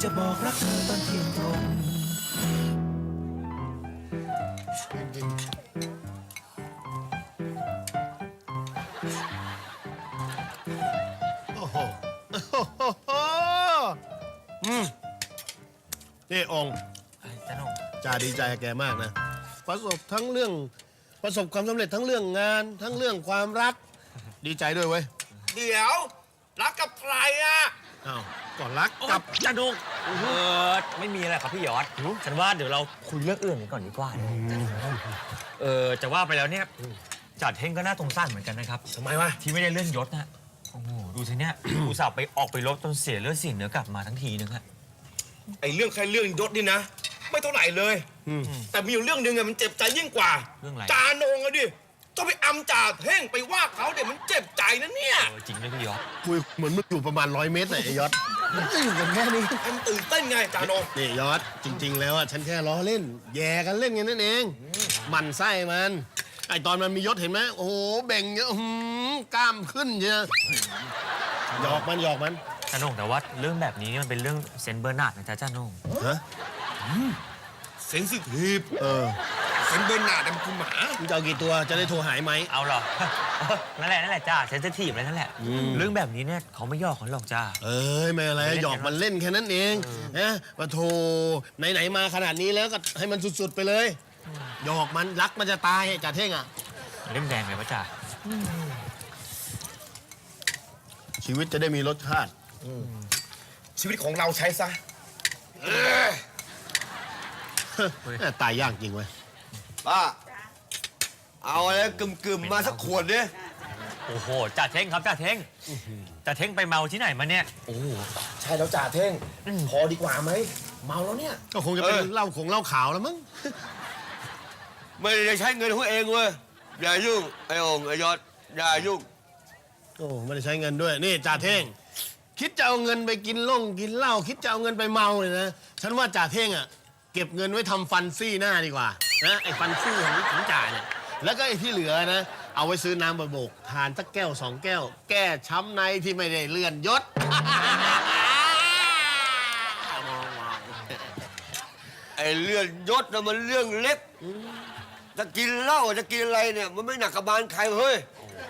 จะบอกรักเธอตอนเที่ยงตรงโอ้โหนี่องค์จ้าน้องจ่าดีใจกับแกมากนะ ประสบความสำเร็จทั้งเรื่องงาน ทั้งเรื่องความรัก ดีใจด้วยเว้ยเดี๋ยวรักกับใครอ่ะอ้าวก่อนรักกักับบ จ้าน้องไม่มีอะไรครับพี่ยอดฉันว่าเดี๋ยวเราคุยเรื่องอื่นกันก่อนดีกว่าจะว่าไปแล้วเนี่ยจัดเฮงก็น่าสงสารเหมือนกันนะครับทำไมวะที่ไม่ได้เลื่อนยศนะโอ้โหดูสิเนี่ย อุตส่าห์ไปออกไปรบจนเสียเลือดเสียเนื้อกลับมาทั้งทีนึงฮะไอ้เรื่องแค่เรื่องยศนี่นะ ไม่เท่าไหร่เลย แต่มีอยู่เรื่องหนึ่งอะมันเจ็บใจยิ่งกว่าเรื่องอะไรจาโหนงอะดิต้องไปอำจ่าเท่งไปว่าเขาเดี๋ยวมันเจ็บใจนะเนี่ยจริงไหมพี่ยอดคุยเหมือนมึงอยู่ประมาณ100 เมตรเลยไอ้ยศมันก็อยู่กันแค่นี้ให้มันตื่นเต้นไงจาโหนงนี่ยศจริง ๆ แล้วอ่ะฉันแค่ล้อเล่น แย่กันเล่นกันนั่นเองหมันไส้มัน ไอตอนมันมียศเห็นไหมโอ้โหเบ่งเยอะกล้ามขึ้นเยอะหยอกมันจ้าน้องแต่ว่าเรื่องแบบนี้มันเป็นเรื่องเซนต์เบอร์นาร์ดนะจ๊ะจ้าน้องฮะเซนซิทีฟ เซนเบอร์นาร์ดมันคือหมามึงจะเอากี่ตัวจะได้โทรหายไหมเอาเหรอ นั่นแหละจ้าเซนซิทีฟเลยนั่นแหละเรื่องแบบนี้เนี่ยเขาไม่ย่อเขาหรอกจ้าเอ้ยไม่อะไรหยอกมันเล่นแค่นั้นเองนะว่าโทไหนๆมาขนาดนี้แล้วก็ให้มันสุดๆไปเลยหยอกมันรักมันจะตายจ่าเท่งอ่ะเล่มแดงเลยปะจ้าชีวิตจะได้มีรสชาติชีวิตของเราใช้ซะตายยากจริงเว้ยป้า เอาอะไรกึ่มๆมาสักขวดดิโอ้โหจ่าเท่งครับจ่าเท่งจ่าเท่งไปเมาที่ไหนมาเนี่ยใช่แล้วจ่าเท่งพอดีกว่าไหมเมาแล้วเนี่ยก็คงจะเป็นเหล้าขาวแล้วมั้งไม่ได้ใช้เงินของเองเว้ย อย่ายุ่ง ไอ้องค์ไอ้ยศอย่ายุ่งโอ้ไม่ได้ใช้เงินด้วยนี่จ่าเท่งคิดจะเอาเงินไปกินเหล้าคิดจะเอาเงินไปเมาเลยนะฉันว่าจ่าเท่งอ่ะเก็บเงินไว้ทำฟันซี่หน้าดีกว่านะไอ้ฟันซี่ของจ่าเนี่ยแล้วก็ไอ้ที่เหลือนะเอาไว้ซื้อน้ำบะโบกทานสักแก้ว2 แก้ว แก้ช้ำในที่ไม่ได้เลื่อนยศไอ้เรื่องยศนะมันเรื่องเล็ก จะกินเหล้าจะกินอะไรเนี่ย มันไม่หนักกระบาลใครเฮ้ย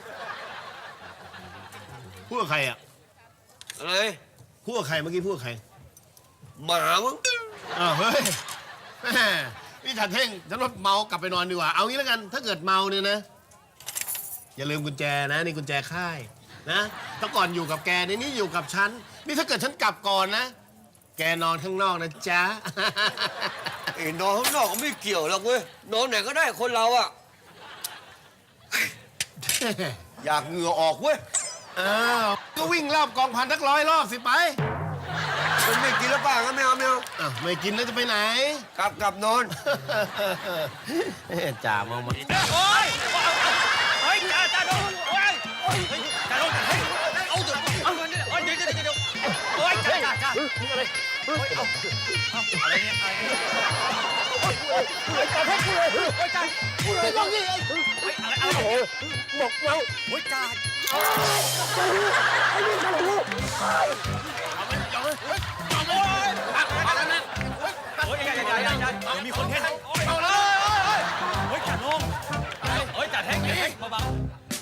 พูดกับใครอ่ะอะไรพูดกับใครเมื่อกี้พูดกับใครหมามั้งอ้าวเฮ้ยแม่นี่จ่าเท่งฉันว่าเมากลับไปนอนดีกว่าเอางี้แล้วกัน ถ้าเกิดเมาเนี่ยนะ อย่าลืมกุญแจนะนี่กุญแจค่ายนะถ้าก่อนอยู่กับแกนี่อยู่กับฉันนี่ถ้าเกิดฉันกลับก่อนนะ แกนอนข้างนอกนะจ๊ะไอ้นอนข้างนอกก็ไม่เกี่ยวหรอกเว้ย นอนไหนก็ได้คนเราอะอยากเหงื่อออกเว้ยอ้าวก็วิ่งรอบกองพันสัก100 รอบสิไปมันไม่กินแล้วป่ะงั้นไม่เอาอ้าวไม่กินแล้วจะไปไหนกลับนอนจ่ามาโอ้ยจ่าโดนโอ้ยจ่าโดนเฮ้ยเอาเดี๋ยวโอ้ยจ่าอะไรโอ้ยเอาอะไรเนี่ยจ่าเท่งพูดเลยโอ้ยจ่าพูดเลยลองดิเฮ้ยอะไรบอกเราโอ้ยจ่าไอ้นี่กันลูกโอ้ยอย่ามีคนเห็นเอาเลยโอ้ยจ่าลงโอ้ยจ่าเท่งเบา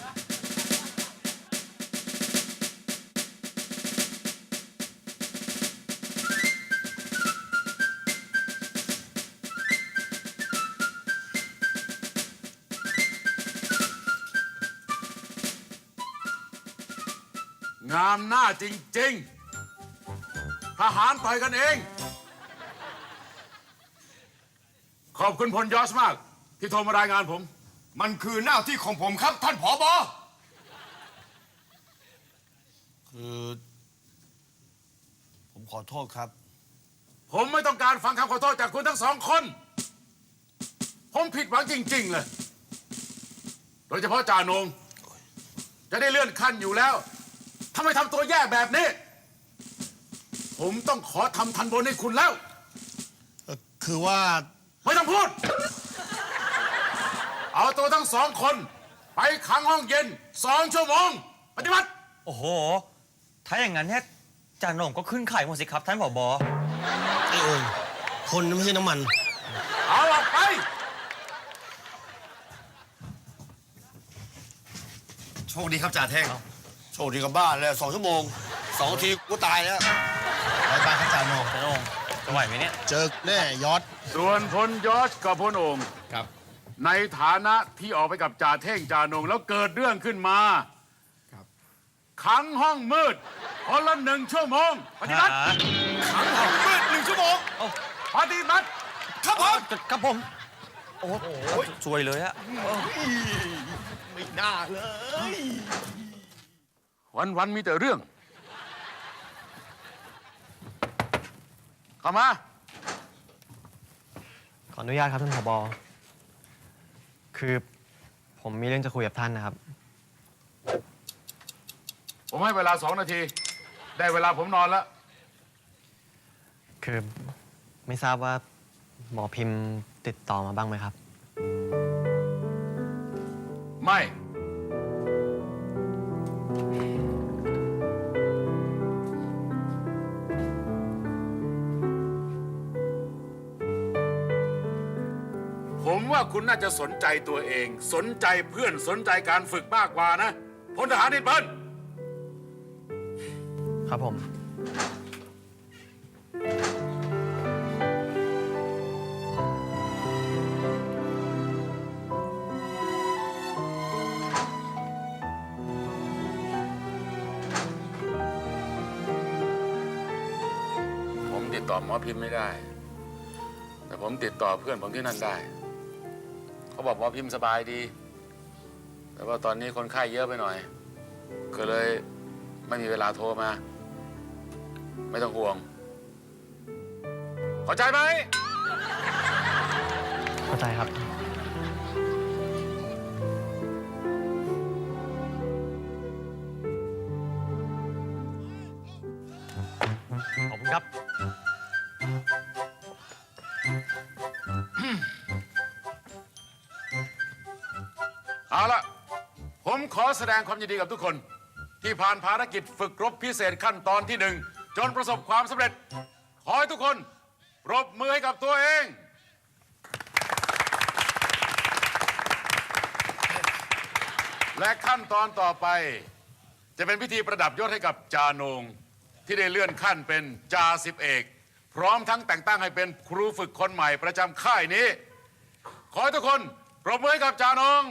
งามหน้าจริงๆ ทหารต่อยกันเอง ขอบคุณพลยอสมาก ที่โทรมารายงานผมมันคือหน้าที่ของผมครับท่านผบ. คือผมขอโทษครับผมไม่ต้องการฟังคำขอโทษจากคุณทั้ง2 คน ผมผิดหวังจริงๆเลย โดยเฉพาะจ่าโหนง จะได้เลื่อนขั้นอยู่แล้วทำไมทำตัวแย่แบบนี้ ผมต้องขอทำทันบนให้คุณแล้วคือว่าไม่ต้องพูด เอาตัวทั้ง2 คน ไปขังห้องเย็น2 ชั่วโมง ปฏิบัติโอ้โหถ้าอย่างนั้นเนี่ยจ่าโหน่งก็ขึ้นไข่หมดสิครับท่านผบ. ไอ้โอ่งคนไม่ใช่น้ำมันเอาออกไปโชคดีครับจ่าเท่งโชคดีกับบ้านแล้ว2 ชั่วโมง 2 นาทีกูตายแล้วไปไปครับจ่าโหนงจ่าโหน่งจะไหวไหมเนี่ยเจอแน่ยอดส่วนพลยอชกับพลโอ่งครับในฐานะที่ออกไปกับจ่าเท่งจ่าโหนงแล้วเกิดเรื่องขึ้นมาครับขังห้องมืดคนละ1 ชั่วโมงปฏิบัติขังห้องมืด1 ชั่วโมงปฏิบัติครับผมครับผม โอ้โหสวยเลยอะไม่น่าเลยวันมีแต่เรื่อง เข้ามาขออนุญาตครับท่านผบ.คือผมมีเรื่องจะคุยกับท่านนะครับผมให้เวลา2 นาที ได้เวลาผมนอนแล้วคือไม่ทราบว่าหมอพิมพ์ติดต่อมาบ้างไหมครับไม่ ผมว่าคุณน่าจะสนใจตัวเอง สนใจเพื่อนสนใจการฝึกมากกว่านะพลทหารนิดเพิ่นครับผมผมติดต่อหมอพิมพ์ไม่ได้ แต่ผมติดต่อเพื่อนผมที่นั่นได้ เขาบอกหมอพิมพ์สบายดี แต่ว่าตอนนี้คนไข้เยอะไปหน่อย ก็เลยไม่มีเวลาโทรมา ไม่ต้องห่วง เข้าใจไหมเข้าใจครับขอบคุณครับเอาละผมขอแสดงความยินดีกับทุกคน ที่ผ่านภารกิจฝึกรบพิเศษขั้นตอนที่ 1 จนประสบความสำเร็จ ขอให้ทุกคนปรบมือให้กับตัวเอง และขั้นตอนต่อไป จะเป็นพิธีประดับยศให้กับจาโหนงที่ได้เลื่อนขั้นเป็นจ่าสิบเอก พร้อมทั้งแต่งตั้งให้เป็นครูฝึกคนใหม่ประจำค่ายนี้ ขอให้ทุกคนปรบมือให้กับจาโหนง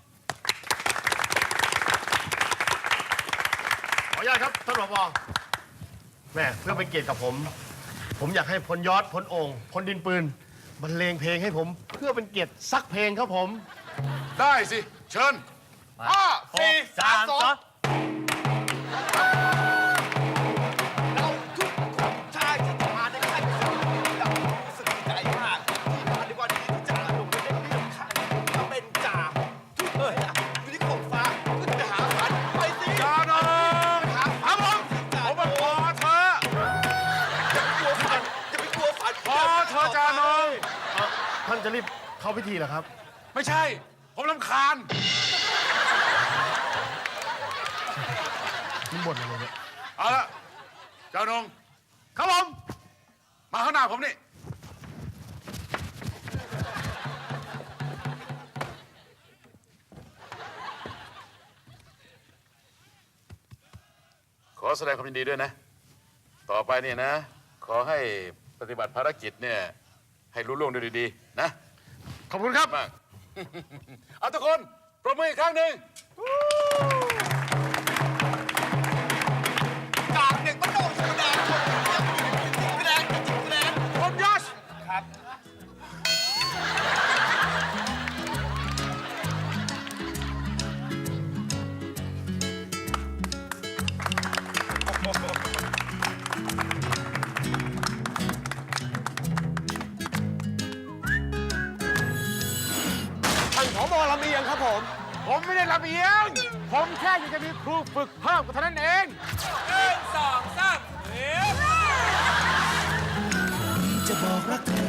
ขออนุญาตครับท่านผบ.แม่เพื่อเป็นเกียรติกับผม ผมอยากให้พลยอดพลโอ่งพลดินปืนบรรเลงเพลงให้ผม เพื่อเป็นเกียรติสักเพลงครับผมได้สิ เชิญ 5 4 3 2 เราทุกคนชายที่มาในค่ายเรารู้สึกดีใจมากที่มาในวันนี้ที่จ่าหนุ่มได้เลื่อนขั้นมาเป็นจ่าทุกคนอยู่ที่ขอบฟ้าขึ้นไปหาฝันไปสิจาโหนงหาครับฝันผมมาขอเธออย่าไปกลัวฝันอย่าไปกลัวฝันขอเธอจาโหนงท่านจะรีบเข้าพิธีเหรอครับไม่ใช่ ผมรำคาญมันบ่นอะไรเนี่ยเอาละจาโหนงครับผม มาข้างหน้าผมนี่ ขอแสดงความยินดีด้วยนะ ต่อไปเนี่ยนะ ขอให้ปฏิบัติภารกิจเนี่ย ให้รุ่ล่วงด้วยดีๆ นะขอบคุณครับมาก เอาทุกคนปรบมืออีกครั้งหนึ่งจากเด็กบ้านนอกธรรมดาคนยังมีคะแนนคะแนนผมยอชครับท่านผบ.ลำเอียงครับผมผมไม่ได้ลำเอียง ผมแค่อยากจะมีครูฝึกเพิ่มก็เท่านั้นเองจะบอกรักเธอ